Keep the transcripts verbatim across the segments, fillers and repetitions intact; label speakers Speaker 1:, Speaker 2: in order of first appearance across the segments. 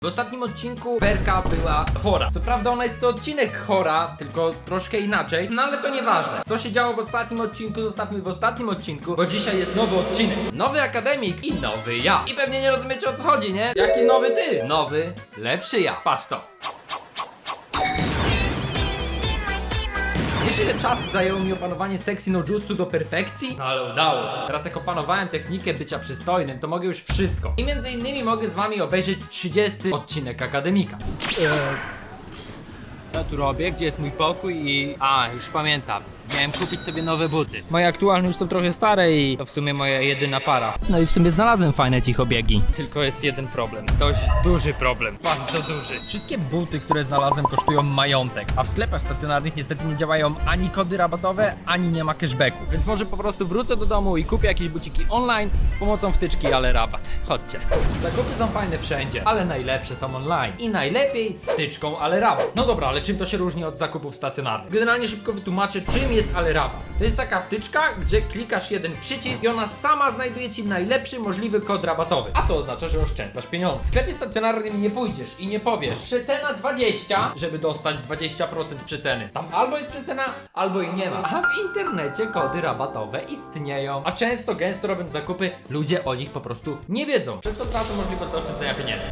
Speaker 1: W ostatnim odcinku Werka była chora. Co prawda ona jest to odcinek chora, tylko troszkę inaczej, no ale to nieważne. Co się działo w ostatnim odcinku, zostawmy w ostatnim odcinku, bo dzisiaj jest nowy odcinek. Nowy akademik i nowy ja. I pewnie nie rozumiecie, o co chodzi, nie? Jaki nowy ty? Nowy, lepszy ja. Patrz to. Wiesz, ile czasu zajęło mi opanowanie sexy no jutsu do perfekcji? No ale udało się. Teraz jak opanowałem technikę bycia przystojnym, to mogę już wszystko. I między innymi mogę z wami obejrzeć trzydziesty odcinek Akademika. Eee, co tu robię? Gdzie jest mój pokój i... A, już pamiętam. Miałem kupić sobie nowe buty. Moje aktualne już są trochę stare i to w sumie moja jedyna para. No i w sumie znalazłem fajne cichobiegi. Tylko jest jeden problem. Dość duży problem. Bardzo duży. Wszystkie buty, które znalazłem, kosztują majątek. A w sklepach stacjonarnych niestety nie działają ani kody rabatowe, ani nie ma cashbacku. Więc może po prostu wrócę do domu i kupię jakieś buciki online z pomocą wtyczki Ale Rabat. Chodźcie. Zakupy są fajne wszędzie, ale najlepsze są online. I najlepiej z wtyczką Ale Rabat. No dobra, ale czym to się różni od zakupów stacjonarnych? Generalnie szybko wytłumaczę, czym jest Ale Rabat. To jest taka wtyczka, gdzie klikasz jeden przycisk i ona sama znajduje ci najlepszy możliwy kod rabatowy. A to oznacza, że oszczędzasz pieniądze. W sklepie stacjonarnym nie pójdziesz i nie powiesz przecena dwadzieścia, żeby dostać dwadzieścia procent przeceny. Tam albo jest przecena, albo jej nie ma. A w internecie kody rabatowe istnieją. A często, gęsto robiąc zakupy, ludzie o nich po prostu nie wiedzą. Przez co tracą możliwość zaoszczędzenia pieniędzy.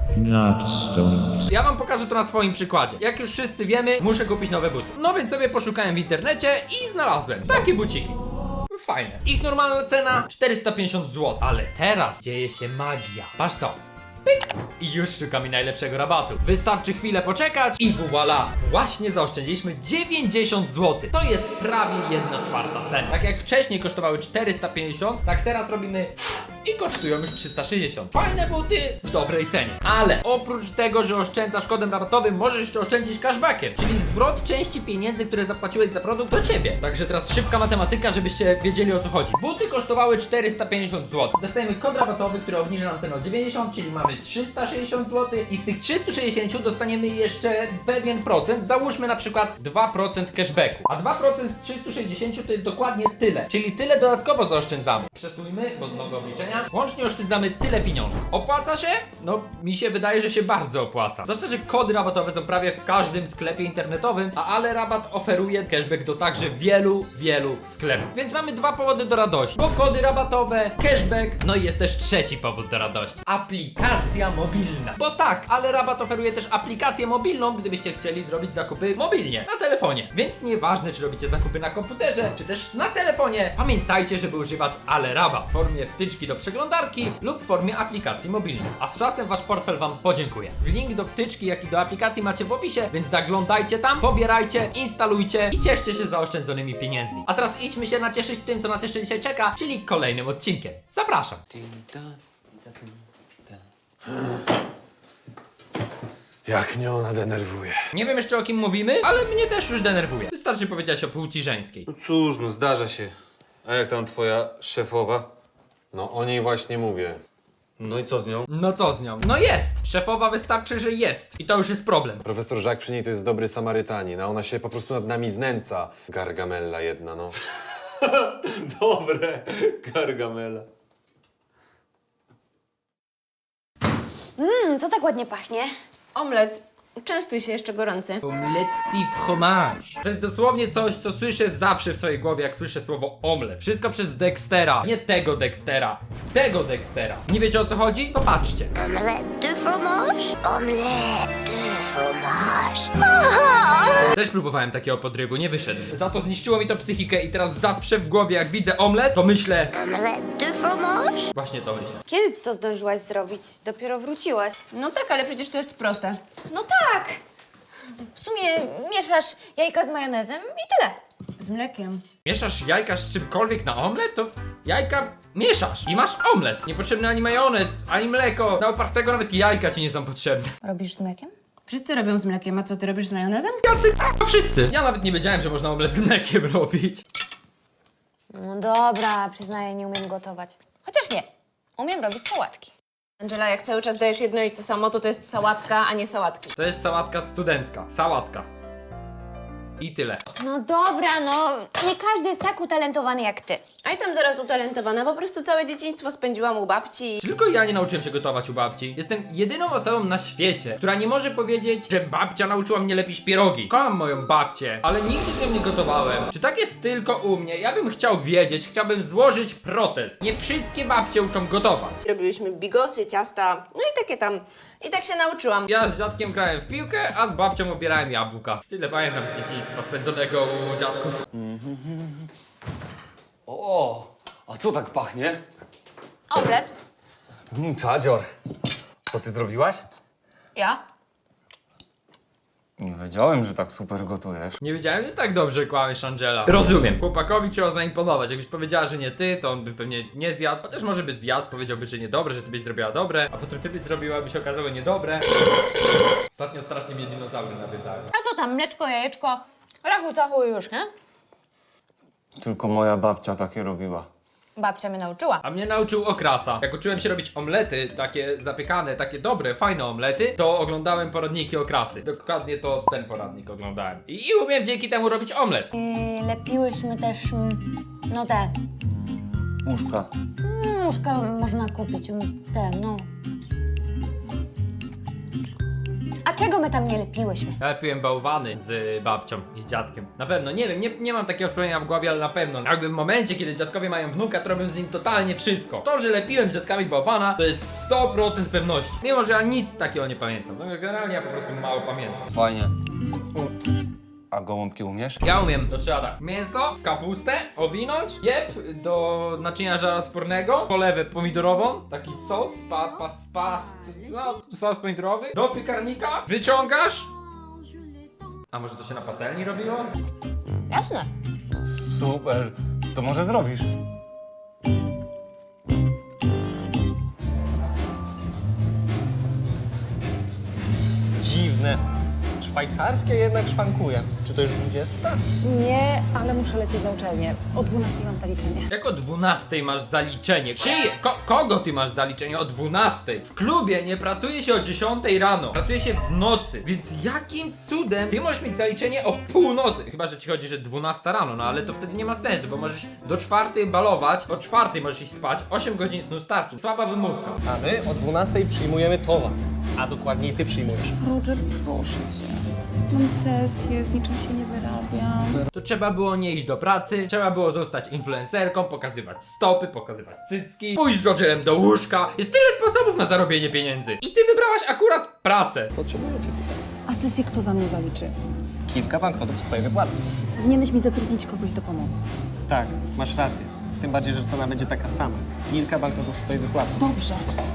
Speaker 1: Ja wam pokażę to na swoim przykładzie. Jak już wszyscy wiemy, muszę kupić nowe buty. No więc sobie poszukałem w internecie i znalazłem takie buciki. Fajne. Ich normalna cena czterysta pięćdziesiąt złotych. Ale teraz dzieje się magia. Patrz to. Pyk. I już szukamy najlepszego rabatu. Wystarczy chwilę poczekać i voila! Właśnie zaoszczędziliśmy dziewięćdziesiąt złotych. To jest prawie jedna czwarta ceny. Tak jak wcześniej kosztowały czterysta pięćdziesiąt, tak teraz robimy i kosztują już trzysta sześćdziesiąt. Fajne buty w dobrej cenie. Ale oprócz tego, że oszczędzasz kodem rabatowym, możesz jeszcze oszczędzić cashbackiem, czyli zwrot części pieniędzy, które zapłaciłeś za produkt do ciebie. Także teraz szybka matematyka, żebyście wiedzieli, o co chodzi. Buty kosztowały czterysta pięćdziesiąt złotych. Dostajemy kod rabatowy, który obniży nam cenę o dziewięćdziesiąt, czyli mamy trzysta sześćdziesiąt złotych i z tych trzystu sześćdziesięciu dostaniemy jeszcze pewien procent, załóżmy na przykład dwa procent cashbacku. A dwa procent z trzystu sześćdziesięciu to jest dokładnie tyle, czyli tyle dodatkowo zaoszczędzamy. Przesuńmy, bo nowe obliczenia. Łącznie oszczędzamy tyle pieniążków. Opłaca się? No, mi się wydaje, że się bardzo opłaca. Zwłaszcza, że kody rabatowe są prawie w każdym sklepie internetowym, a Ale Rabat oferuje cashback do także wielu, wielu sklepów. Więc mamy dwa powody do radości. Bo kody rabatowe, cashback, no i jest też trzeci powód do radości. Aplikacja mobilna. Bo tak, Ale Rabat oferuje też aplikację mobilną, gdybyście chcieli zrobić zakupy mobilnie, na telefonie. Więc nieważne, czy robicie zakupy na komputerze, czy też na telefonie, pamiętajcie, żeby używać Ale Rabat w formie wtyczki do przeglądarki lub w formie aplikacji mobilnej. A z czasem wasz portfel wam podziękuje. Link do wtyczki, jak i do aplikacji macie w opisie, więc zaglądajcie tam, pobierajcie, instalujcie i cieszcie się zaoszczędzonymi pieniędzmi. A teraz idźmy się nacieszyć tym, co nas jeszcze dzisiaj czeka, czyli kolejnym odcinkiem. Zapraszam.
Speaker 2: Jak mnie ona denerwuje.
Speaker 1: Nie wiem jeszcze, o kim mówimy, ale mnie też już denerwuje. Wystarczy powiedzieć o płci żeńskiej.
Speaker 2: No cóż, no zdarza się. A jak tam twoja szefowa? No o niej właśnie mówię. No i co z nią?
Speaker 1: No co z nią? No jest! Szefowa wystarczy, że jest. I to już jest problem.
Speaker 2: Profesor Jacques przy niej to jest dobry Samarytanin, a ona się po prostu nad nami znęca. Gargamella jedna, no. Dobre, Gargamela.
Speaker 3: Mmm, co tak ładnie pachnie?
Speaker 4: Omlet. Częstuj się, jeszcze gorący.
Speaker 1: Omletti fromage. To jest dosłownie coś, co słyszę zawsze w swojej głowie, jak słyszę słowo omlet. Wszystko przez Dextera. Nie tego Dextera. Tego Dextera. Nie wiecie, o co chodzi? To patrzcie.
Speaker 3: Omelette de fromage? Omelette de fromage.
Speaker 1: Też próbowałem takiego podrywu, nie wyszedł. Za to zniszczyło mi to psychikę i teraz zawsze w głowie, jak widzę omlet, to myślę...
Speaker 3: Omelette de fromage?
Speaker 1: Właśnie to myślę.
Speaker 3: Kiedy ty to zdążyłaś zrobić? Dopiero wróciłaś.
Speaker 4: No tak, ale przecież to jest proste.
Speaker 3: No tak! W sumie mieszasz jajka z majonezem i tyle.
Speaker 4: Z mlekiem.
Speaker 1: Mieszasz jajka z czymkolwiek na omlet, to jajka mieszasz i masz omlet. Niepotrzebny ani majonez, ani mleko. Na upartego nawet jajka ci nie są potrzebne.
Speaker 3: Robisz z mlekiem?
Speaker 4: Wszyscy robią z mlekiem, a co ty robisz z majonezem?
Speaker 1: Jacy k***a wszyscy. Ja nawet nie wiedziałem, że można omlet z mlekiem robić.
Speaker 3: No dobra, przyznaję, nie umiem gotować. Chociaż nie, umiem robić sałatki.
Speaker 4: Angela, jak cały czas dajesz jedno i to samo, to to jest sałatka, a nie sałatki.
Speaker 1: To jest sałatka studencka. Sałatka. I tyle.
Speaker 3: No dobra, no. Nie każdy jest tak utalentowany jak ty.
Speaker 4: A i tam zaraz utalentowana, po prostu całe dzieciństwo spędziłam u babci.
Speaker 1: Tylko ja nie nauczyłem się gotować u babci. Jestem jedyną osobą na świecie, która nie może powiedzieć, że babcia nauczyła mnie lepić pierogi. Kocham moją babcię, ale nigdy z nią nie gotowałem. Czy tak jest tylko u mnie? Ja bym chciał wiedzieć, chciałbym złożyć protest. Nie wszystkie babcie uczą gotować.
Speaker 4: Robiłyśmy bigosy, ciasta, no i takie tam. I tak się nauczyłam.
Speaker 1: Ja z dziadkiem grałem w piłkę, a z babcią obierałem jabłka. Tyle pamiętam z dzieciństwa spędzonego u dziadków.
Speaker 5: O, a co tak pachnie?
Speaker 3: Omlet.
Speaker 5: Mm, czadzior. To ty zrobiłaś?
Speaker 3: Ja?
Speaker 5: Nie wiedziałem, że tak super gotujesz.
Speaker 1: Nie wiedziałem, że tak dobrze kłamiesz, Angela. Rozumiem. Chłopakowi trzeba zaimponować. Jakbyś powiedziała, że nie ty, to on by pewnie nie zjadł. Chociaż może by zjadł, powiedziałby, że niedobre, że ty byś zrobiła dobre. A potem ty byś zrobiła, by się okazało niedobre. Ostatnio strasznie mnie dinozaury nawiedzały.
Speaker 3: A co tam, mleczko, jajeczko? Rachu, cachu i już, nie?
Speaker 5: Tylko moja babcia takie robiła.
Speaker 3: Babcia mnie nauczyła.
Speaker 1: A mnie nauczył okrasa. Jak uczyłem się robić omlety, takie zapiekane, takie dobre, fajne omlety, to oglądałem poradniki okrasy. Dokładnie to ten poradnik oglądałem. I, i umiem dzięki temu robić omlet.
Speaker 3: I lepiłyśmy też, mm, no te,
Speaker 5: Łóżka.
Speaker 3: mm, łóżka można kupić, mm, te, no. A czego my tam nie lepiłyśmy?
Speaker 1: Ja lepiłem bałwany z babcią i z dziadkiem. Na pewno, nie wiem, nie, nie mam takiego wspomnienia w głowie, ale na pewno. Jakby w momencie, kiedy dziadkowie mają wnuka, to robię z nim totalnie wszystko. To, że lepiłem z dziadkami bałwana, to jest sto procent pewności. Mimo, że ja nic takiego nie pamiętam. No generalnie ja po prostu mało pamiętam.
Speaker 5: Fajnie. A gołąbki umiesz?
Speaker 1: Ja umiem, to trzeba tak. Mięso, kapustę, owinąć, jeb do naczynia żaroodpornego, polewę pomidorową, taki sos, pa, pas, pas, no, sos pomidorowy, do piekarnika, wyciągasz. A może to się na patelni robiło?
Speaker 3: Jasne.
Speaker 5: Super. To może zrobisz?
Speaker 6: Dziwne. Szwajcarskie jednak szwankuje. Czy to już dwudziesta?
Speaker 7: Nie, ale muszę lecieć na uczelnię. O dwunastej mam zaliczenie.
Speaker 1: Jak o dwunastej masz zaliczenie? Czyje? Ko kogo ty masz zaliczenie o dwunastej? W klubie nie pracuje się o dziesiątej rano, pracuje się w nocy, więc jakim cudem ty możesz mieć zaliczenie o północy? Chyba, że ci chodzi, że dwunasta rano, no ale to wtedy nie ma sensu, bo możesz do czwartej balować, o czwartej możesz iść spać, osiem godzin snu starczy. Słaba wymówka.
Speaker 6: A my o dwunastej przyjmujemy towar. A dokładniej ty przyjmujesz.
Speaker 7: Roger, proszę cię. Mam sesję, z niczym się nie wyrabiam.
Speaker 1: To trzeba było nie iść do pracy, trzeba było zostać influencerką, pokazywać stopy, pokazywać cycki, pójść z Rogerem do łóżka. Jest tyle sposobów na zarobienie pieniędzy. I ty wybrałaś akurat pracę.
Speaker 6: Potrzebuję cię tutaj.
Speaker 7: A sesję kto za mnie zaliczy?
Speaker 6: Kilka banknotów z twojej wypłaty.
Speaker 7: Powinieneś mi zatrudnić kogoś do pomocy.
Speaker 6: Tak, masz rację. Tym bardziej, że cena będzie taka sama. Kilka banknotów z twojej wypłaty.
Speaker 7: Dobrze.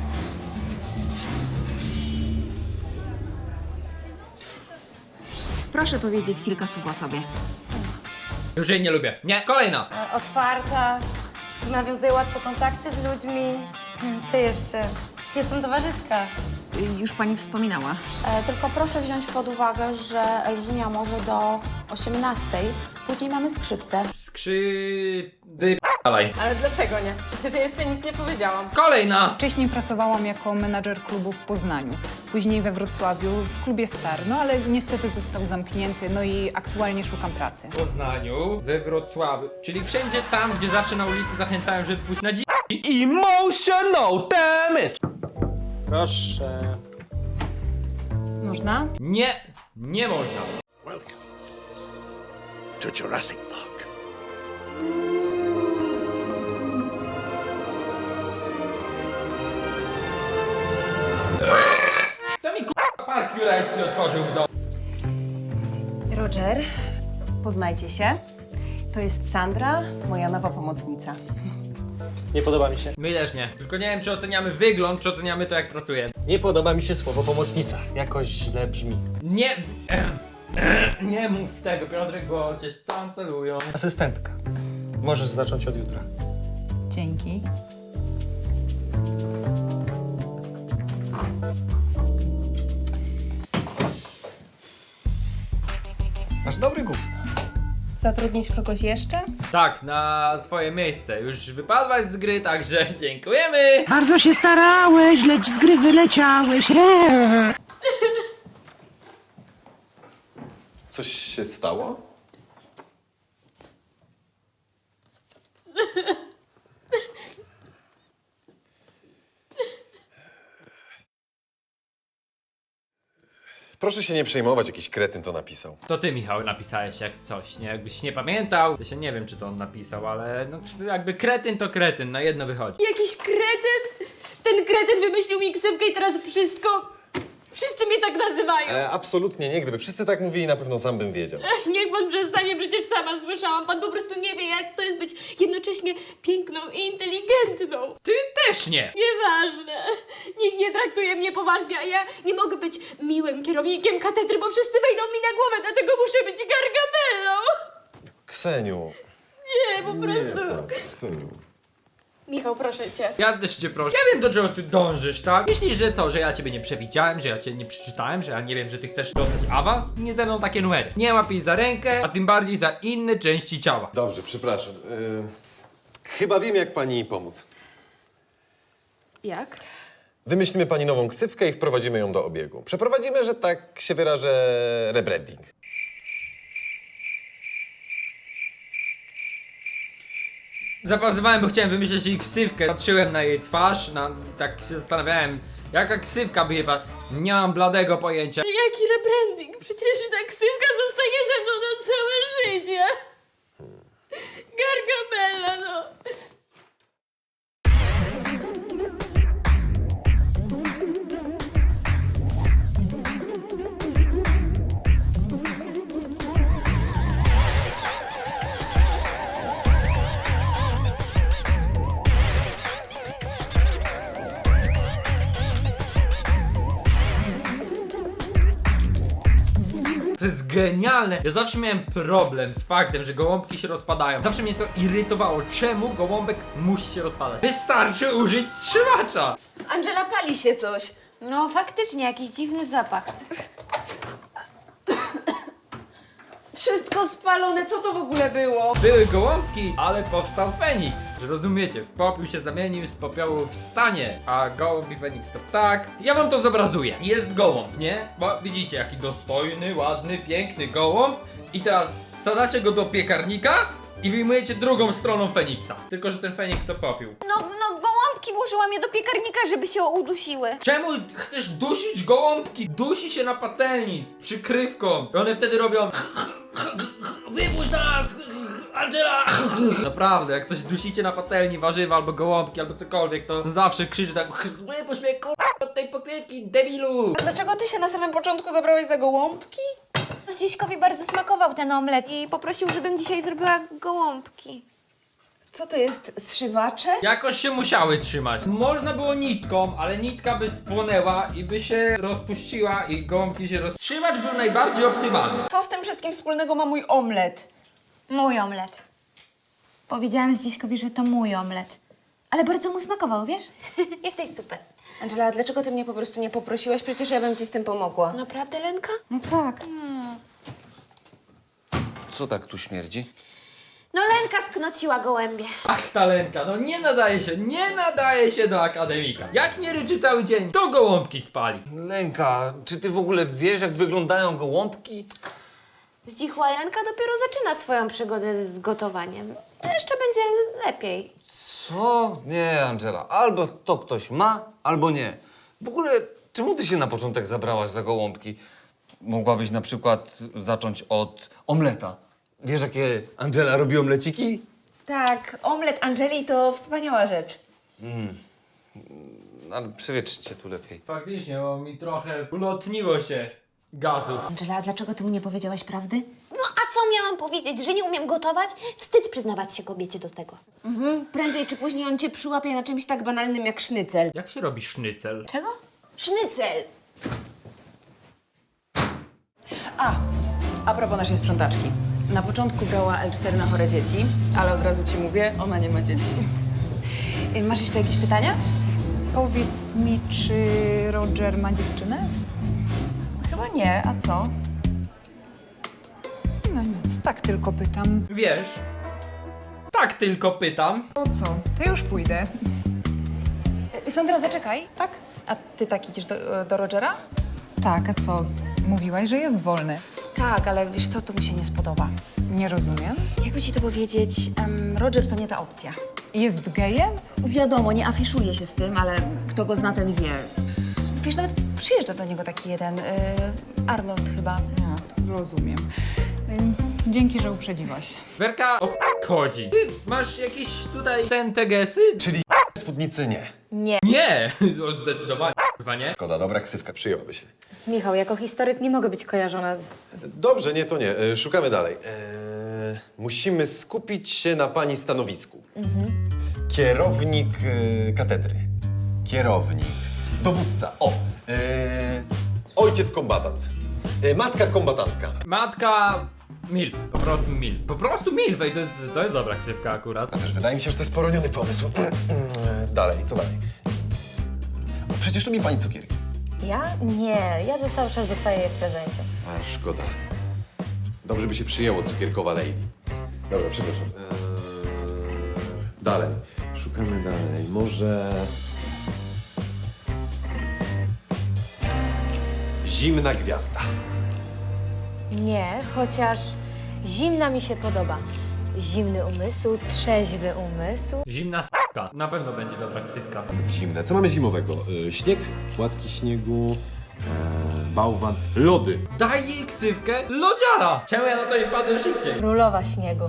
Speaker 7: Proszę powiedzieć kilka słów o sobie.
Speaker 1: Już jej nie lubię. Nie, kolejna.
Speaker 8: Otwarta, nawiązuję łatwo kontakty z ludźmi. Hmm, Co jeszcze? Jestem towarzyska.
Speaker 7: Już pani wspominała.
Speaker 9: E, tylko proszę wziąć pod uwagę, że Elżunia może do osiemnastej, później mamy skrzypce.
Speaker 1: Skrzy... Wypalaj.
Speaker 8: Ale dlaczego nie? Przecież ja jeszcze nic nie powiedziałam.
Speaker 1: Kolejna.
Speaker 7: Wcześniej pracowałam jako menadżer klubu w Poznaniu, później we Wrocławiu w klubie Star, no ale niestety został zamknięty, no i aktualnie szukam pracy.
Speaker 1: W Poznaniu, we Wrocławiu, czyli wszędzie tam, gdzie zawsze na ulicy zachęcają, żeby pójść na dzi...
Speaker 6: Emotional damage! Proszę.
Speaker 7: Można?
Speaker 1: Nie, nie można.
Speaker 10: Welcome to Jurassic Park.
Speaker 1: To mi k***a park jurajski otworzył w domu.
Speaker 7: Roger, poznajcie się. To jest Sandra, moja nowa pomocnica.
Speaker 6: Nie podoba mi się.
Speaker 1: My też nie. Tylko nie wiem, czy oceniamy wygląd, czy oceniamy to, jak pracujemy.
Speaker 6: Nie podoba mi się słowo pomocnica. Jakoś źle brzmi.
Speaker 1: Nie... Nie mów tego, Piotrek, bo cię scancelują.
Speaker 6: Asystentka. Możesz zacząć od jutra.
Speaker 7: Dzięki.
Speaker 6: Masz dobry gust.
Speaker 4: Zatrudnić kogoś jeszcze?
Speaker 1: Tak, na swoje miejsce. Już wypadłaś z gry, także dziękujemy.
Speaker 11: Bardzo się starałeś, lecz z gry wyleciałeś.
Speaker 2: Coś się stało? Proszę się nie przejmować, jakiś kretyn to napisał.
Speaker 1: To ty, Michał, napisałeś jak coś, nie? Jakbyś nie pamiętał, to się nie wiem, czy to on napisał, ale no jakby kretyn to kretyn, na jedno wychodzi.
Speaker 8: Jakiś kretyn? Ten kretyn wymyślił mi ksywkę i teraz wszystko... Wszyscy mnie tak nazywają.
Speaker 2: E, absolutnie nie, gdyby wszyscy tak mówili, na pewno sam bym wiedział.
Speaker 8: Niech pan przestanie, przecież sama słyszałam. Pan po prostu nie wie, jak to jest być jednocześnie piękną i inteligentną.
Speaker 1: Ty też nie!
Speaker 8: Nieważne. Nikt nie traktuje mnie poważnie, a ja nie mogę być miłym kierownikiem katedry, bo wszyscy wejdą mi na głowę, dlatego muszę być Gargamellą.
Speaker 2: Kseniu.
Speaker 8: Nie, po prostu.
Speaker 2: tak, Kseniu.
Speaker 8: Michał, proszę cię.
Speaker 1: Ja też cię proszę. Ja wiem, do czego ty dążysz, tak? Myślisz, że co, że ja ciebie nie przewidziałem, że ja cię nie przeczytałem, że ja nie wiem, że ty chcesz dostać awans? Nie ze mną takie numery. Nie łap jej za rękę, a tym bardziej za inne części ciała.
Speaker 2: Dobrze, przepraszam. Y, chyba wiem, jak pani pomóc.
Speaker 8: Jak?
Speaker 2: Wymyślimy pani nową ksywkę i wprowadzimy ją do obiegu. Przeprowadzimy, że tak się wyrażę, rebranding.
Speaker 1: Zapauzowałem, bo chciałem wymyśleć jej ksywkę. Patrzyłem na jej twarz, na, tak się zastanawiałem, jaka ksywka by chyba. Nie mam bladego pojęcia.
Speaker 8: Jaki rebranding? Przecież ta ksywka zostanie ze mną na całe życie. Gargamella, no.
Speaker 1: To jest genialne! Ja zawsze miałem problem z faktem, że gołąbki się rozpadają. Zawsze mnie to irytowało. Czemu gołąbek musi się rozpadać? Wystarczy użyć strzywacza!
Speaker 4: Angela, pali się coś.
Speaker 3: No faktycznie, jakiś dziwny zapach.
Speaker 4: Wszystko spalone, co to w ogóle było?
Speaker 1: Były gołąbki, ale powstał Feniks. Że rozumiecie, w popiół się zamienił, z popiołu wstanie. A gołąb i Feniks to tak. Ja wam to zobrazuję. Jest gołąb, nie? Bo widzicie, jaki dostojny, ładny, piękny gołąb. I teraz wsadzacie go do piekarnika i wyjmujecie drugą stroną Feniksa. Tylko, że ten Feniks to popiół.
Speaker 3: No, no gołąbki włożyłam je do piekarnika, żeby się udusiły.
Speaker 1: Czemu chcesz dusić gołąbki? Dusi się na patelni, przykrywką. I one wtedy robią... Wypuść nas! Angela! Naprawdę, jak coś dusicie na patelni, warzywa albo gołąbki albo cokolwiek, to zawsze krzyczy tak: wypuść mnie kurwa od tej pokrywki, debilu!
Speaker 4: Dlaczego ty się na samym początku zabrałeś za gołąbki?
Speaker 3: Zdziśkowi bardzo smakował ten omlet i poprosił, żebym dzisiaj zrobiła gołąbki.
Speaker 4: Co to jest, zszywacze?
Speaker 1: Jakoś się musiały trzymać. Można było nitką, ale nitka by spłonęła i by się rozpuściła i gołąbki się roz... Trzymać był najbardziej optymalny.
Speaker 4: Co z tym wszystkim wspólnego ma mój omlet?
Speaker 3: Mój omlet. Powiedziałam Zdziśkowi, że to mój omlet. Ale bardzo mu smakował, wiesz? Jesteś super.
Speaker 4: Angela, dlaczego ty mnie po prostu nie poprosiłaś? Przecież ja bym ci z tym pomogła.
Speaker 3: Naprawdę, Lenka?
Speaker 4: No tak.
Speaker 5: Co tak tu śmierdzi?
Speaker 3: No Lenka sknociła gołębie.
Speaker 1: Ach, ta Lenka, no nie nadaje się, nie nadaje się do akademika. Jak nie ryczy cały dzień, to gołąbki spali.
Speaker 5: Lenka, czy ty w ogóle wiesz, jak wyglądają gołąbki?
Speaker 3: Zdzichła Lenka dopiero zaczyna swoją przygodę z gotowaniem. Jeszcze będzie lepiej.
Speaker 5: Co? Nie, Angela. Albo to ktoś ma, albo nie. W ogóle, czemu ty się na początek zabrałaś za gołąbki? Mogłabyś na przykład zacząć od omleta. Wiesz, jakie Angela robi omleciki?
Speaker 4: Tak, omlet Angeli to wspaniała rzecz.
Speaker 5: Ale przewietrzcie tu lepiej.
Speaker 1: Faktycznie, bo mi trochę ulotniło się gazów.
Speaker 3: Angela, dlaczego ty mu nie powiedziałaś prawdy? No a co miałam powiedzieć, że nie umiem gotować? Wstyd przyznawać się kobiecie do tego.
Speaker 4: Mhm. Prędzej czy później on cię przyłapie na czymś tak banalnym jak sznycel.
Speaker 1: Jak się robi sznycel?
Speaker 3: Czego?
Speaker 4: Sznycel!
Speaker 7: A, a propos naszej sprzątaczki. Na początku brała L cztery na chore dzieci, ale od razu ci mówię, ona nie ma dzieci. Masz jeszcze jakieś pytania? Powiedz mi, czy Roger ma dziewczynę? Chyba nie, a co? No nic, tak tylko pytam.
Speaker 1: Wiesz, tak tylko pytam.
Speaker 7: O co? To już pójdę. Sandra, zaczekaj. Tak? A ty tak idziesz do, do Rogera? Tak, a co? Mówiłaś, że jest wolny.
Speaker 4: Tak, ale wiesz co, to mi się nie spodoba.
Speaker 7: Nie rozumiem.
Speaker 4: Jakby ci to powiedzieć, em, Roger to nie ta opcja.
Speaker 7: Jest gejem?
Speaker 4: Wiadomo, nie afiszuje się z tym, ale kto go zna, ten wie. Wiesz, nawet przyjeżdża do niego taki jeden. Yy,
Speaker 7: Arnold chyba. No, rozumiem. Ym, Dzięki, że uprzedziłaś.
Speaker 1: Werka, o ch- chodzi. Ty masz jakieś tutaj ten tegesy?
Speaker 12: Czyli spódnicy nie.
Speaker 3: Nie.
Speaker 1: Nie! O, zdecydowanie, chyba nie.
Speaker 12: Szkoda, dobra ksywka, przyjęłaby się.
Speaker 3: Michał, jako historyk nie mogę być kojarzona z...
Speaker 12: Dobrze, nie, to nie. E, Szukamy dalej. E, musimy skupić się na pani stanowisku. Kierownik e, katedry. Kierownik. Dowódca. O! E, ojciec kombatant. E, matka kombatantka.
Speaker 1: Matka... Milf, po prostu milf. Po prostu milf, ej, to, to jest dobra ksywka akurat.
Speaker 12: A też wydaje mi się, że to jest poroniony pomysł. dalej, co dalej? O, przecież lubi pani cukierki.
Speaker 3: Ja? Nie, ja to cały czas dostaję je w prezencie.
Speaker 12: A, szkoda. Dobrze by się przyjęło cukierkowa lady. Dobra, przepraszam. Eee, dalej. Szukamy dalej. Może... Zimna gwiazda.
Speaker 3: Nie, chociaż zimna mi się podoba. Zimny umysł, trzeźwy umysł.
Speaker 1: Zimna s**ka. Na pewno będzie dobra ksywka.
Speaker 12: Zimne. Co mamy zimowego? Eee, śnieg, płatki śniegu, eee, bałwan, lody.
Speaker 1: Daj jej ksywkę lodziara! Czemu ja na to nie wpadłem szybciej?
Speaker 3: Królowa śniegu.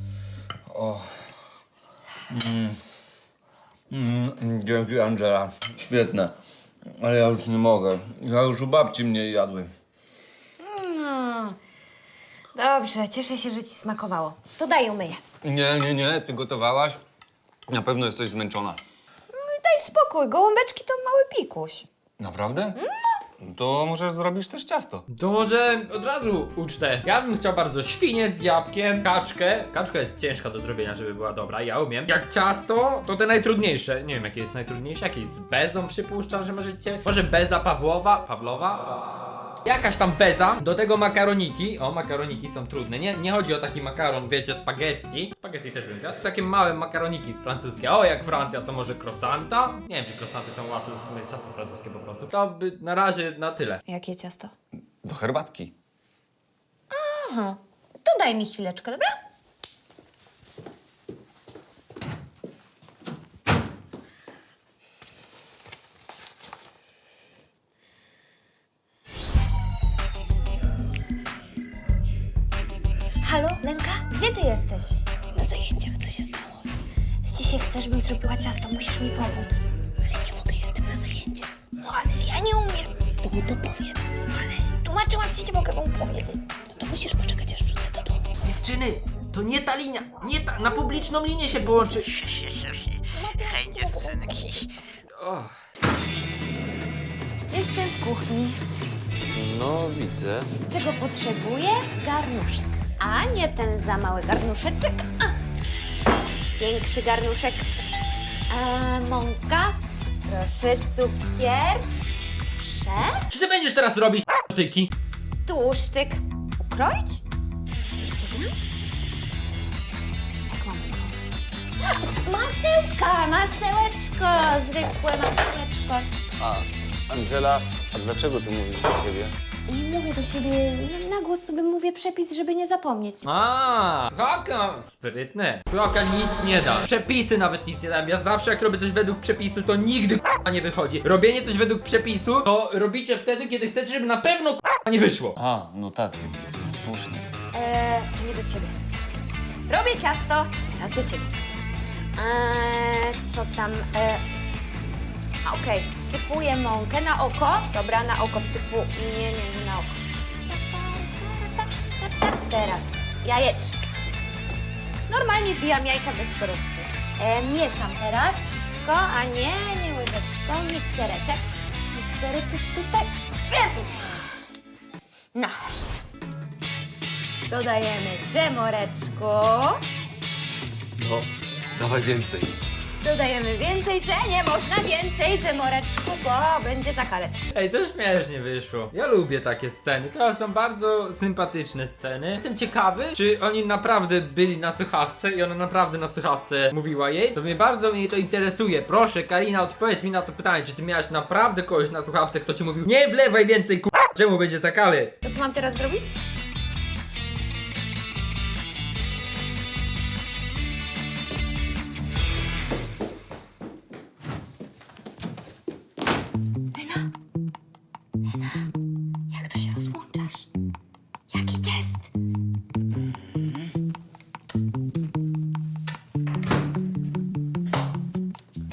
Speaker 5: Mm, dzięki, Angela. Świetne. Ale ja już nie mogę. Ja już u babci mnie jadły.
Speaker 3: No. Dobrze, cieszę się, że ci smakowało. To daj umyję.
Speaker 5: Nie, nie, nie. Ty gotowałaś? Na pewno jesteś zmęczona.
Speaker 3: Daj spokój, gołąbeczki to mały pikuś.
Speaker 5: Naprawdę? No. To możesz zrobić też ciasto.
Speaker 1: To może od razu ucztę. Ja bym chciał bardzo świnię z jabłkiem, kaczkę. Kaczka jest ciężka do zrobienia, żeby była dobra, ja umiem. Jak ciasto, to te najtrudniejsze. Nie wiem, jakie jest najtrudniejsze. Jakieś z bezą przypuszczam, że możecie. Może beza Pawłowa? Pawlowa? Jakaś tam beza. Do tego makaroniki. O, makaroniki są trudne. Nie, nie chodzi o taki makaron, wiecie, spaghetti. Spaghetti też bym zjadł. Takie małe makaroniki francuskie. O, jak Francja, to może croissanta? Nie wiem, czy croissanty są łatwe, w sumie ciasto francuskie po prostu. To by na razie na tyle.
Speaker 3: Jakie ciasto?
Speaker 5: Do herbatki.
Speaker 3: Aha, to daj mi chwileczkę, dobra? Halo, Lenka? Gdzie ty jesteś?
Speaker 8: Na zajęciach co się stało?
Speaker 3: Dzisiaj chcesz, bym zrobiła ciasto, musisz mi pomóc.
Speaker 8: Ale nie mogę, jestem na zajęciach.
Speaker 3: No ale ja nie umiem.
Speaker 8: To mu to powiedz.
Speaker 3: Ale tłumaczyłam ci, nie mogę wam powiedzieć.
Speaker 8: No to musisz poczekać, aż wrócę do domu.
Speaker 1: Dziewczyny, to nie ta linia, nie ta, na publiczną linię się połączy.
Speaker 11: Hej, dziewczynki.
Speaker 1: O,
Speaker 3: Jestem w kuchni.
Speaker 5: No, widzę.
Speaker 3: Czego potrzebuję? Garnuszek. A nie ten za mały garnuszeczek. A. Większy garnuszek. A, mąka. Proszę, cukier. Prze.
Speaker 1: czy ty będziesz teraz robić tyki?
Speaker 3: Tłuszczyk. Ukroić? dwieście gram? Jak mam ukroić? Masełka, masełeczko. Zwykłe masełeczko.
Speaker 5: A, Angela, a dlaczego ty mówisz do siebie?
Speaker 3: Mówię do siebie, na głos sobie mówię przepis, żeby nie zapomnieć.
Speaker 1: A, słuchawka, sprytne. Słuchawka nic nie da. Przepisy nawet nic nie dają. Ja zawsze jak robię coś według przepisu, to nigdy k***a nie wychodzi. Robienie coś według przepisu, to robicie wtedy, kiedy chcecie, żeby na pewno k***a nie wyszło.
Speaker 5: A, no tak. Słusznie.
Speaker 3: Eee, to nie do ciebie. Robię ciasto, teraz do ciebie. Eee, co tam? Eee, a, Okej, wsypuję mąkę na oko. Dobra, na oko wsypu... Nie, nie, nie na oko. Teraz jajeczka. Normalnie wbijam jajka bez skorupki. Eee, mieszam teraz wszystko, a nie, nie łyżeczką. Miksereczek. Miksereczek tutaj. Jezu. No. Dodajemy dżemoreczku.
Speaker 5: No, dawaj więcej.
Speaker 3: Dodajemy więcej, że nie można więcej dżemoreczku, bo będzie zakalec.
Speaker 1: Ej, to śmiesznie wyszło. Ja lubię takie sceny. To są bardzo sympatyczne sceny. Jestem ciekawy, czy oni naprawdę byli na słuchawce i ona naprawdę na słuchawce mówiła jej. To mnie bardzo mnie to interesuje. Proszę, Karina, odpowiedz mi na to pytanie. Czy ty miałaś naprawdę kogoś na słuchawce, kto ci mówił: nie wlewaj więcej, k***, czemu będzie zakalec?
Speaker 3: To co mam teraz zrobić? Lena? Lena? Jak to się rozłączy?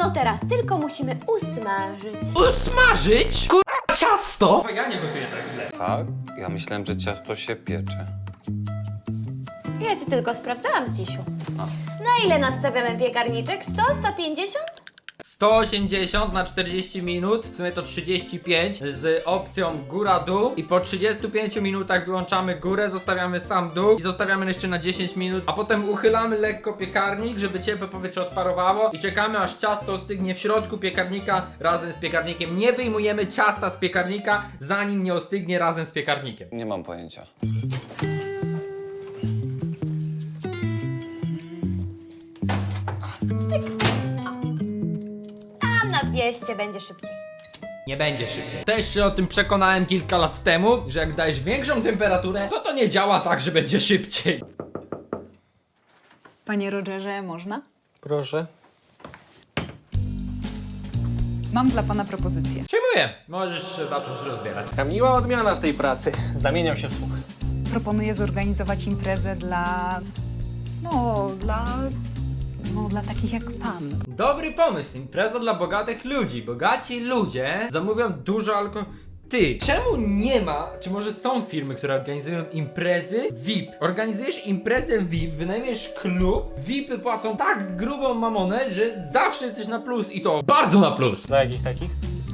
Speaker 3: No teraz tylko musimy usmażyć.
Speaker 1: Usmażyć? Kurwa, ciasto! Ja nie gotuję tak źle.
Speaker 5: Tak? Ja myślałem, że ciasto się piecze.
Speaker 3: Ja ci tylko sprawdzałam, Zdzisiu. Na ile nastawiamy piekarniczek? sto, sto pięćdziesiąt?
Speaker 1: sto osiemdziesiąt na czterdzieści minut, w sumie to trzydzieści pięć z opcją góra-dół i po trzydziestu pięciu minutach wyłączamy górę, zostawiamy sam dół i zostawiamy jeszcze na dziesięć minut, a potem uchylamy lekko piekarnik, żeby ciepłe powietrze odparowało i czekamy aż ciasto ostygnie w środku piekarnika razem z piekarnikiem. Nie wyjmujemy ciasta z piekarnika, zanim nie ostygnie razem z piekarnikiem.
Speaker 5: Nie mam pojęcia.
Speaker 3: Tam na dwieście będzie szybciej.
Speaker 1: Nie będzie szybciej. Też się o tym przekonałem kilka lat temu, że jak dajesz większą temperaturę, to to nie działa tak, że będzie szybciej.
Speaker 7: Panie Rogerze, można?
Speaker 6: Proszę.
Speaker 7: Mam dla pana propozycję.
Speaker 1: Przyjmuję. Możesz się zacząć rozbierać.
Speaker 6: Taka miła odmiana w tej pracy. Zamieniam się w słuch.
Speaker 7: Proponuję zorganizować imprezę dla... No, dla... No, dla takich jak pan.
Speaker 1: Dobry pomysł, impreza dla bogatych ludzi. Bogaci ludzie zamówią dużo alkoholu. Ty, czemu nie ma, czy może są firmy, które organizują imprezy V I P? Organizujesz imprezę V I P, wynajmiesz klub, V I Py płacą tak grubą mamonę, że zawsze jesteś na plus i to bardzo na plus.
Speaker 6: Dla jakich takich?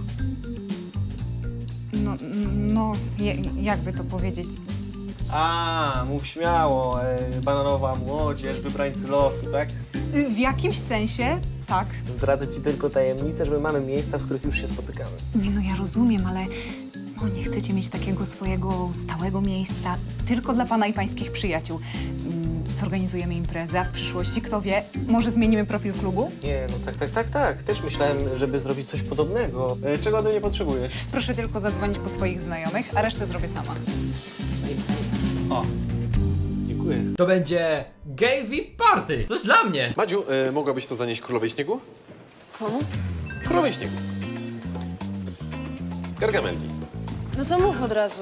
Speaker 7: No, no, je, jakby to powiedzieć...
Speaker 6: A, mów śmiało. E, bananowa młodzież, wybrańcy losu, tak?
Speaker 7: Y, W jakimś sensie, tak.
Speaker 6: Zdradzę ci tylko tajemnicę, że my mamy miejsca, w których już się spotykamy.
Speaker 7: Nie no, ja rozumiem, ale no, nie chcecie mieć takiego swojego stałego miejsca tylko dla pana i pańskich przyjaciół. Mm, Zorganizujemy imprezę, a w przyszłości, kto wie, może zmienimy profil klubu?
Speaker 6: Nie, no tak, tak, tak, tak. Też myślałem, żeby zrobić coś podobnego. E, czego ode mnie potrzebujesz?
Speaker 7: Proszę tylko zadzwonić po swoich znajomych, a resztę zrobię sama.
Speaker 6: O, dziękuję.
Speaker 1: To będzie gay V I P party. Coś dla mnie.
Speaker 12: Madziu, y, mogłabyś to zanieść królowej śniegu?
Speaker 8: Komu?
Speaker 12: Królowej śniegu. Gargamelli.
Speaker 8: No to mów od razu.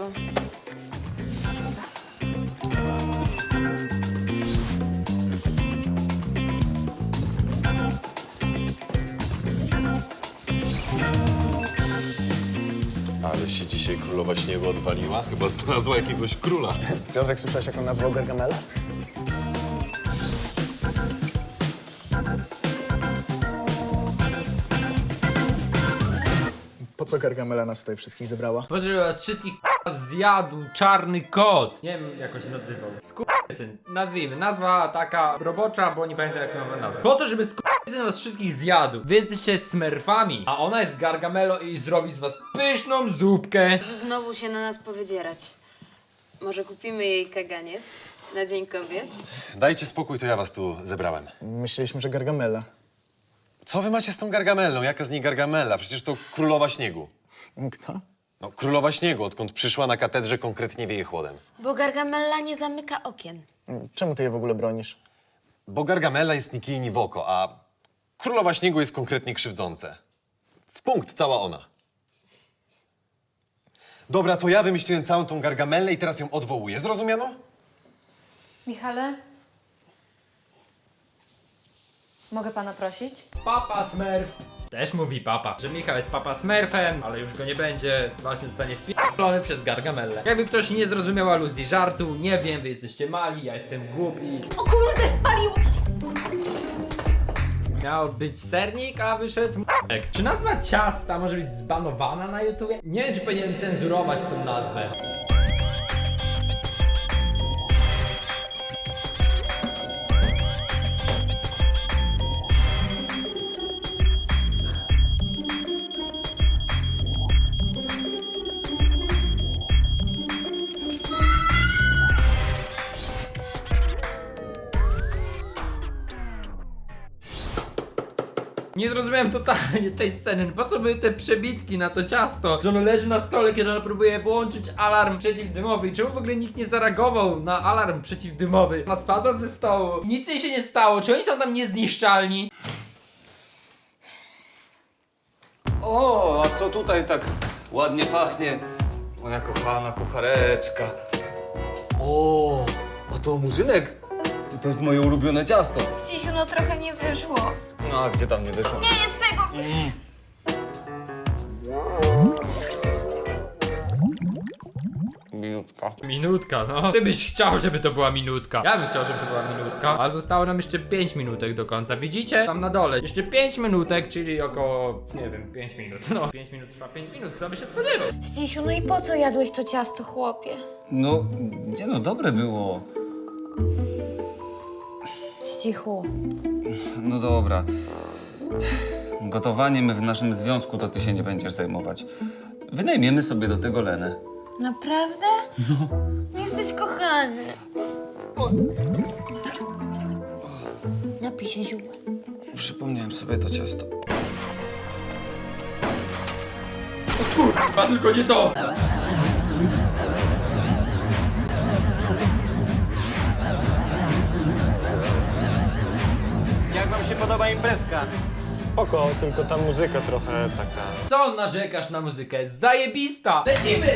Speaker 12: Ale się dzisiaj królowa śniegu odwaliła. Chyba znalazła jakiegoś króla.
Speaker 13: Piotrek, słyszałeś, jak on nazwał Gargamela? Po co Gargamela nas tutaj wszystkich zebrała?
Speaker 1: Po to, żeby was wszystkich k***a zjadł czarny kot. Nie wiem, jak on się nazywał. Skurwysyn. Nazwijmy. Nazwa taka robocza, bo nie pamiętam, jak mamy nazwę. Po to, żeby skurwysyn was wszystkich zjadł. Wy jesteście smerfami, a ona jest Gargamelo i zrobi z was pyszną zupkę.
Speaker 8: Znowu się na nas powydzierać. Może kupimy jej kaganiec na Dzień Kobiet?
Speaker 12: Dajcie spokój, to ja was tu zebrałem.
Speaker 13: Myśleliśmy, że Gargamela.
Speaker 12: Co wy macie z tą Gargamellą? Jaka z niej Gargamella? Przecież to królowa śniegu.
Speaker 13: Kto?
Speaker 12: No, królowa śniegu, odkąd przyszła na katedrze, konkretnie wieje chłodem.
Speaker 8: Bo Gargamella nie zamyka okien.
Speaker 13: Czemu ty je w ogóle bronisz?
Speaker 12: Bo Gargamella jest ni kij, ni w oko, a królowa śniegu jest konkretnie krzywdzące. W punkt cała ona. Dobra, to ja wymyśliłem całą tą Gargamellę i teraz ją odwołuję. Zrozumiano?
Speaker 9: Michale? Mogę pana prosić?
Speaker 1: Papa Smurf. Też mówi papa, że Michał jest papa Smurfem, ale już go nie będzie. Właśnie zostanie wpierdolony przez Gargamellę. Jakby ktoś nie zrozumiał aluzji żartu, nie wiem, wy jesteście mali, ja jestem głupi.
Speaker 3: O kurde, spaliłeś!
Speaker 1: Miał być sernik, a wyszedł m***ek. Czy nazwa ciasta może być zbanowana na YouTubie? Nie wiem, czy powinienem cenzurować tą nazwę. Nie zrozumiałem totalnie tej sceny. Po co były te przebitki na to ciasto? Że ono leży na stole, kiedy ona próbuje włączyć alarm przeciwdymowy. I czemu w ogóle nikt nie zareagował na alarm przeciwdymowy? Ona spadła ze stołu. Nic jej się nie stało. Czy oni są tam niezniszczalni?
Speaker 5: O, a co tutaj tak ładnie pachnie? Moja kochana kuchareczka. O, a to murzynek? To jest moje ulubione ciasto.
Speaker 3: Zdzisiu, no trochę nie wyszło.
Speaker 5: No, a gdzie tam nie wyszło?
Speaker 3: Nie jest tego!
Speaker 5: Minutka.
Speaker 1: Minutka, no. Ty byś chciał, żeby to była minutka. Ja bym chciał, żeby to była minutka. Ale zostało nam jeszcze pięć minutek do końca. Widzicie? Tam na dole. Jeszcze pięć minutek, czyli około, nie wiem, pięć minut. No, pięć minut trwa pięć minut. Kto by się spodziewał?
Speaker 3: Zdzisiu, no i po co jadłeś to ciasto, chłopie?
Speaker 5: No, nie no, dobre było.
Speaker 3: Zdzichu.
Speaker 5: No dobra. Gotowaniem w naszym związku to ty się nie będziesz zajmować. Wynajmiemy sobie do tego Lenę.
Speaker 3: Naprawdę? No. Jesteś kochany. Napij się ziół.
Speaker 5: Przypomniałem sobie to ciasto.
Speaker 1: A tylko nie to!
Speaker 6: Jak wam się podoba imprezka? Spoko, tylko ta muzyka trochę taka...
Speaker 1: Co narzekasz na muzykę? Zajebista! Lecimy!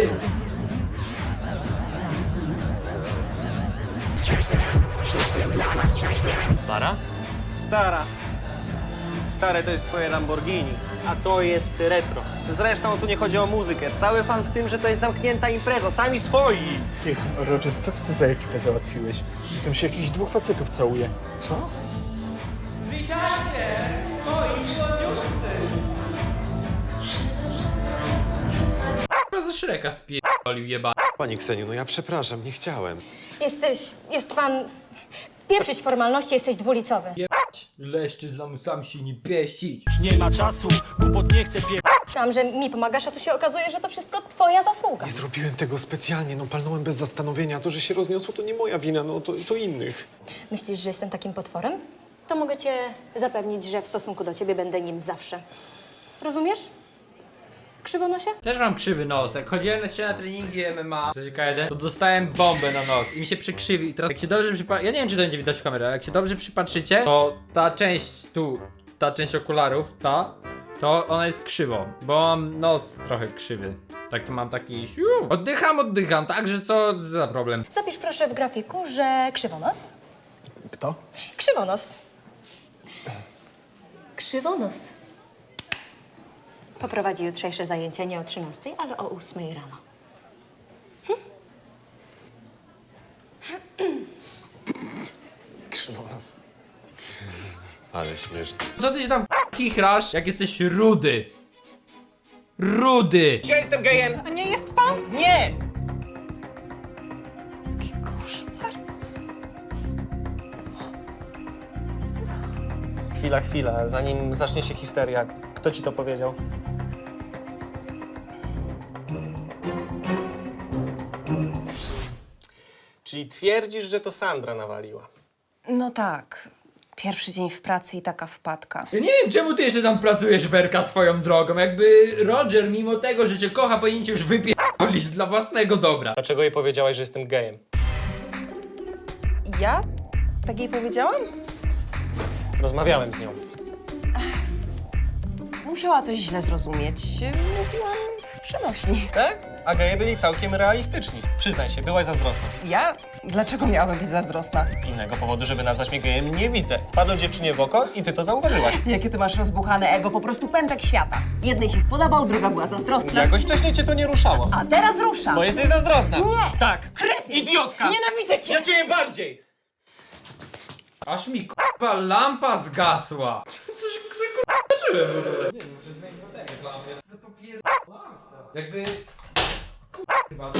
Speaker 6: Stara? Stara. Stare to jest twoje Lamborghini, a to jest retro. Zresztą tu nie chodzi o muzykę. Cały fan w tym, że to jest zamknięta impreza, sami swoi.
Speaker 13: Ty, Roger, co ty tu za ekipę załatwiłeś? Tam się jakichś dwóch facetów całuje. Co?
Speaker 6: Witajcie! Moi złodziejcy!
Speaker 1: Chyba ze Shreka spierdolił jeba.
Speaker 12: Pani Kseniu, no ja przepraszam, nie chciałem.
Speaker 8: Jesteś, jest pan... Pieprzyć formalności, jesteś dwulicowy.
Speaker 1: Jebać, leszczy z lamusami się nie pieścić.
Speaker 6: Nie ma czasu, głupot nie chcę pie...
Speaker 8: Myślałam, że mi pomagasz, a tu się okazuje, że to wszystko twoja zasługa.
Speaker 12: Nie zrobiłem tego specjalnie, no palnąłem bez zastanowienia. To, że się rozniosło, to nie moja wina, no to, to innych.
Speaker 8: Myślisz, że jestem takim potworem? To mogę cię zapewnić, że w stosunku do ciebie będę nim zawsze. Rozumiesz? Krzywonosie?
Speaker 1: Też mam krzywy nos. Jak chodziłem jeszcze na treningi M M A K jeden, to dostałem bombę na nos i mi się przykrzywi. I teraz jak się dobrze przypatrzycie, ja nie wiem, czy to będzie widać w kamerze, ale jak się dobrze przypatrzycie, to ta część tu, ta część okularów, ta, to ona jest krzywą, bo mam nos trochę krzywy. Taki mam taki siu. Oddycham, oddycham, także co za problem?
Speaker 8: Zapisz proszę w grafiku, że krzywonos.
Speaker 13: Kto?
Speaker 8: Krzywonos. Krzywonos. Poprowadzi jutrzejsze zajęcia nie o trzynastej, ale o ósmej rano.
Speaker 13: Krzywonos.
Speaker 12: Ale śmieszne.
Speaker 1: Co ty się tam kichrasz, jak jesteś rudy? Rudy!
Speaker 6: Ja jestem gejem!
Speaker 7: A nie jest pan?
Speaker 6: Nie! Chwila, chwila, zanim zacznie się histeria. Kto ci to powiedział? Czyli twierdzisz, że to Sandra nawaliła?
Speaker 7: No tak. Pierwszy dzień w pracy i taka wpadka.
Speaker 1: Ja nie wiem, czemu ty jeszcze tam pracujesz, Werka, swoją drogą. Jakby Roger, mimo tego, że cię kocha, powinien cię już wypierdolić dla własnego dobra.
Speaker 6: Dlaczego jej powiedziałaś, że jestem gejem?
Speaker 7: Ja? Tak jej powiedziałam?
Speaker 6: Rozmawiałem z nią.
Speaker 7: Musiała coś źle zrozumieć. Mówiłam w przenośni.
Speaker 6: Tak? A geje byli całkiem realistyczni. Przyznaj się, byłaś zazdrosna.
Speaker 7: Ja? Dlaczego miałabym być zazdrosna?
Speaker 6: Innego powodu, żeby nazwać mnie gejem, nie widzę. Padło dziewczynie w oko i ty to zauważyłaś.
Speaker 7: Jakie ty masz rozbuchane ego, po prostu pępek świata. Jednej się spodobał, druga była zazdrosna.
Speaker 6: Jakoś wcześniej cię to nie ruszało.
Speaker 7: A teraz rusza.
Speaker 6: Bo jesteś zazdrosna.
Speaker 7: Nie!
Speaker 6: Tak.
Speaker 7: Kretyn!
Speaker 6: Idiotka!
Speaker 7: Nienawidzę cię!
Speaker 6: Ja cię bardziej!
Speaker 1: Aż mi k***wa lampa zgasła. Coś k***czyłem w ogóle. Nie wiem, muszę zmienić baterię w lampie. Co za popierdolące. Jakby... K***wa.